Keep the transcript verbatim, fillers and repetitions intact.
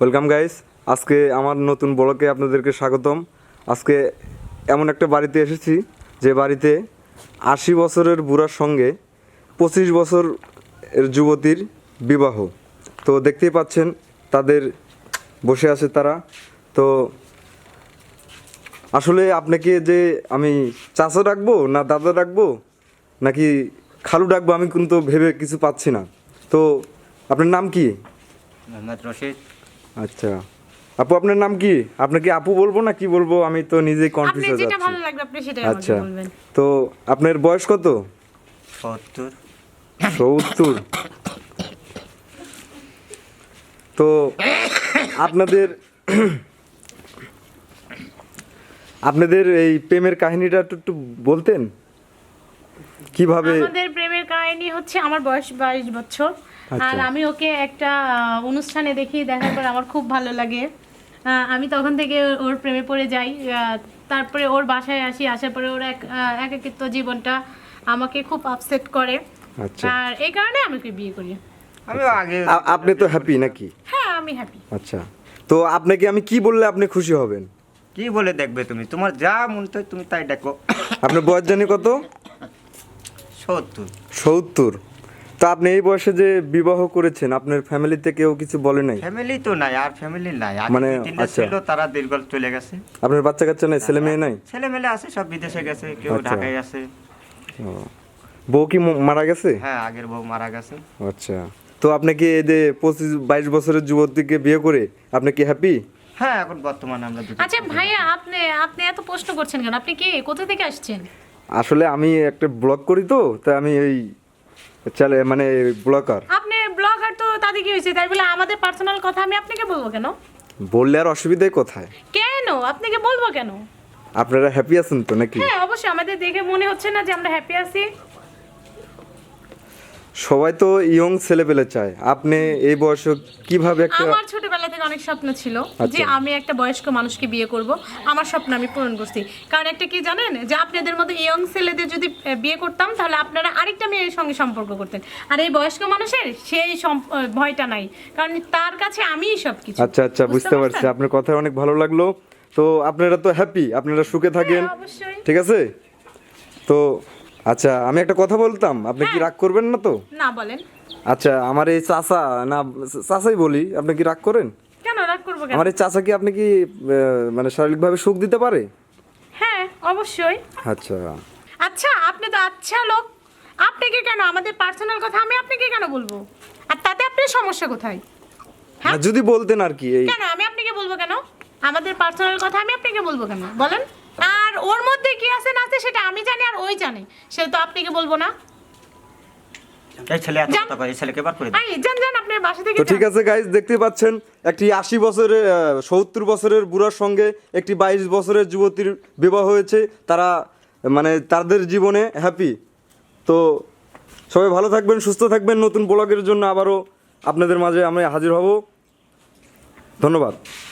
Welcome guys, আজকে আমার নতুন ব্লগে আপনাদেরকে স্বাগতম। আজকে এমন একটা বাড়িতে এসেছি যে বাড়িতে আশি বছরের বুড়ার সঙ্গে পঁচিশ বছর এর যুবতীর বিবাহ। তো দেখতেই পাচ্ছেন তাদের বসে আছে তারা। তো আসলে আপনাকে যে আমি চাচা ডাকবো না দাদা ডাকবো নাকি খালু ডাকবো আমি কিন্তু ভেবে কিছু পাচ্ছি না। তো আপনার নাম কি? মোহাম্মদ রশিদ। আচ্ছা আপু, আপনার নাম কি? আপনাকে আপু বলবো না কি বলবো, আমি তো নিজেই কনফিউজ হয়ে যাচ্ছি। ভালো লাগবে আপনি সেটাই আমাকে আচ্ছা, বলবেন। তো আপনার বয়স কত? সত্তর। সত্তর। তো আপনাদের আপনাদের এই প্রেমের কাহিনীটা একটু একটু বলতেন কিভাবে? আমাদের প্রেমের কাহিনী হচ্ছে আমার বয়স বাইশ বছর। আচ্ছা। আর আমি ওকে একটা আহ, অনুষ্ঠানে দেখি, দেখার পর আমার খুব ভালো লাগে। আহ, আমি তখন থেকে ওর প্রেমে পড়ে যাই। আহ, তারপরে ওর বাসায় আসি, আসার পরে ওর এক আহ, একাকিত্ব জীবনটা আমাকে খুব আপসেট করে। আচ্ছা, আর এই কারণে আমি ওকে বিয়ে করি। আমি আগে আ- আপনি তো হ্যাপি নাকি? হ্যাঁ, আমি হ্যাপি। আচ্ছা, তো আপনাকে আমি কি বললে আপনি খুশি হবেন? কি বলে দেখবে তুমি, তোমার যা মন চায় তুমি তাই দেখো। আপনার বয়স জানি কত? সত্তর। সত্তর। তো আপনি এই বয়সে যে বিবাহ করেছেন, আপনার ফ্যামিলিতে কেউ কিছু বলে নাই? ফ্যামিলি তো নাই, আর ফ্যামিলি নাই। আগে মানে, দুই তিনটা আচ্ছা। ছিল, তারা দীর্ঘ চলে গেছে। আপনার বাচ্চা কাচ্চা নাই, ছেলে মেয়ে নাই? ছেলে মেলে আছে, সব বিদেশে গেছে, কেউ আচ্ছা। ঢাকায় আছে। ও, বউ কি ম- মারা গেছে? হ্যাঁ, আগের বউ মারা গেছে। আচ্ছা, তো আপনি কি এই যে পঁচিশ বাইশ বছরের যুবতীকে বিয়ে করে আপনি কি হ্যাপি? হ্যাঁ, এখন বর্তমানে আমরা দুটো। আচ্ছা ভাইয়া, আপনি আপনি এত প্রশ্ন করছেন কেন? আপনি কে, কোথা থেকে আসছেন? আসলে আমি একটা ব্লগ করি, তো তাই আমি এই চলে মানে ব্লগার। আপনি ব্লগার, তো তাতে কি হয়েছে? তাই বলে আমাদের পার্সোনাল কথা আমি আপনাকে বলবো কেন? বললে আর অসুবিধায় কোথায়? কেন আপনাকে বলবো কেন? আপনারা হ্যাপি আছেন তো নাকি? হ্যাঁ, অবশ্যই। আমাদের দেখে মনে হচ্ছে না যে আমরা হ্যাপি আছি? সবাই তো ইয়ং ছেলে পেলে চায়, আপনি এই বয়সে কিভাবে একটা? আমার ছোটবেলা থেকে অনেক স্বপ্ন ছিল যে আচ্ছা। আমি একটা বয়স্ক মানুষকে বিয়ে করব। আমার স্বপ্ন আমি পূরণ করছি। কারণ একটা কি জানেন, যে আপনাদের মতো ইয়ং ছেলেদের যদি আহ, বিয়ে করতাম, তাহলে আপনারা আরেকটা মেয়ের সঙ্গে সম্পর্ক করতেন। আর এই বয়স্ক মানুষের সেই সম- আহ, ভয়টা নাই, কারণ তার কাছে আমিই সবকিছু। আচ্ছা আচ্ছা, বুঝতে পারছি, আপনার কথা অনেক ভালো লাগলো। তো আপনারা তো হ্যাপি, আপনারা সুখে থাকেন, হ্যাঁ, অবশ্যই। ঠিক আছে? তো আচ্ছা, আমি একটা কথা বলতাম, আপনি কি হ্যাঁ। রাগ করবেন না তো? না, বলেন। আচ্ছা, আমার এই চাচা, না চাচাই বলি, আপনি কি রাগ করেন? কেন রাগ করবো কেন? আমার এই চাচা কি আপনি কি আহ, মানে শারীরিকভাবে সুখ দিতে পারে? হ্যাঁ, অবশ্যই। আচ্ছা। আচ্ছা, আপনি তো আচ্ছা লোক, আপনাকে কেন আমাদের পার্সোনাল কথা আমি আপনাকে কেন বলবো? আর তাতে আপনার সমস্যা কোথায়? হ্যাঁ? না, যদি বলতেন আর কি এই। কেন আমি আপনাকে বলবো কেন? আমাদের পার্সোনাল কথা আমি আপনাকে বলবো কেন বলেন? আর ওর মধ্যে কি আছে না আছে সেটা আমি জানি আর ওই জানে, সে তো আপনাকে বলবো না। এই ছেলে এত যান। কথা কয়, এই ছেলেকে বার করে দাও। আই যান যান, আপনার বাসা থেকে তো ঠিক যান। আছে গাইজ, দেখতে পাচ্ছেন একটি আশি বছরের সত্তর বছরের বুড়ার সঙ্গে একটি বাইশ বছরের যুবতীর বিবাহ হয়েছে। তারা মানে তাদের জীবনে হ্যাপি। তো সবাই ভালো থাকবেন, সুস্থ থাকবেন। নতুন ব্লগের জন্য আবারও আপনাদের মাঝে আমি হাজির হব। ধন্যবাদ।